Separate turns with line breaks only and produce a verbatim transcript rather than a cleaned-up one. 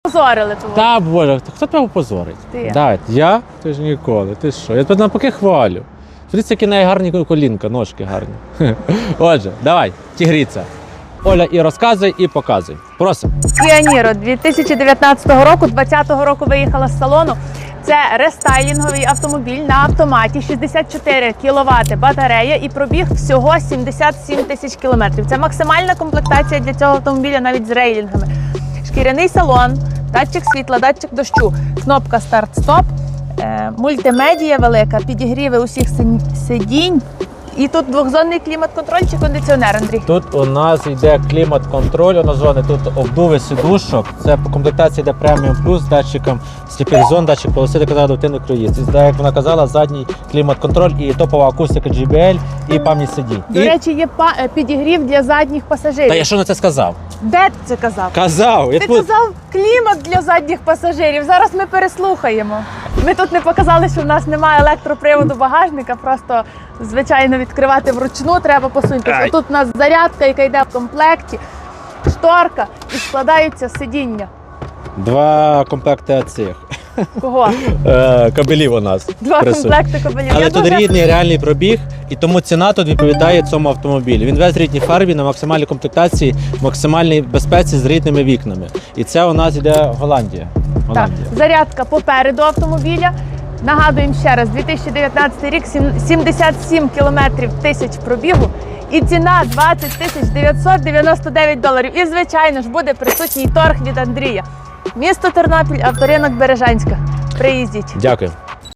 Позорили того.
Та боже, хто тебе позорить?
Ти.
Давай, я? Ти ж ніколи, ти що? Я тебе навпаки хвалю. Дивіться, які неї гарні колінка, ножки гарні. Отже, давай, тігріця. Оля, і розказуй, і показуй. Просимо.
Kia Niro дві тисячі дев'ятнадцятого року, двадцятого року виїхала з салону. Це рестайлінговий автомобіль на автоматі, шістдесят чотири кіловати батарея і пробіг всього сімдесят сім тисяч кілометрів. Це максимальна комплектація для цього автомобіля навіть з рейлінгами. Шкіряний салон, датчик світла, датчик дощу, кнопка старт-стоп, е, мультимедія велика, підігріви усіх сидінь. І тут двохзонний клімат-контроль чи кондиціонер, Андрій?
Тут у нас йде клімат-контроль, однозонний, тут обдуви сидушок. Це по комплектації йде преміум плюс з датчиком сліпих зон, датчик полоси, де казала адаптивний круїз. І, як вона казала, задній клімат-контроль і топова акустика джі бі ел і пам'ять сидінь.
До
і...
речі, є па- підігрів для задніх пасажирів.
Та я що на це сказав?
Де ти це казав?
Казав! Я
Ти
тут...
казав клімат для задніх пасажирів. Зараз ми переслухаємо. Ми тут не показали, що в нас немає електроприводу багажника, просто, звичайно, відкривати вручну треба посунутися.
Ай.
Тут у нас зарядка, яка йде в комплекті, шторка і складаються сидіння.
Два комплекти цих.
Кого?
Е, кабелів у нас.
Два
присутні.
комплекти кабелів.
Але
Я
тут
дуже-
рідний реальний пробіг, і тому ціна тут відповідає цьому автомобілю. Він весь в рідній фарбі на максимальній комплектації, максимальній безпеці з рідними вікнами. І це у нас йде Голландія.
Так,
Голландія.
зарядка попереду автомобіля. Нагадуємо ще раз, дві тисячі дев'ятнадцятий рік, сім- сімдесят сім кілометрів тисяч пробігу і ціна двадцять тисяч дев'ятсот дев'яносто дев'ять доларів. І, звичайно ж, буде присутній торг від Андрія. Місто Тернопіль, авторинок Бережанська. Приїздіть.
Дякую.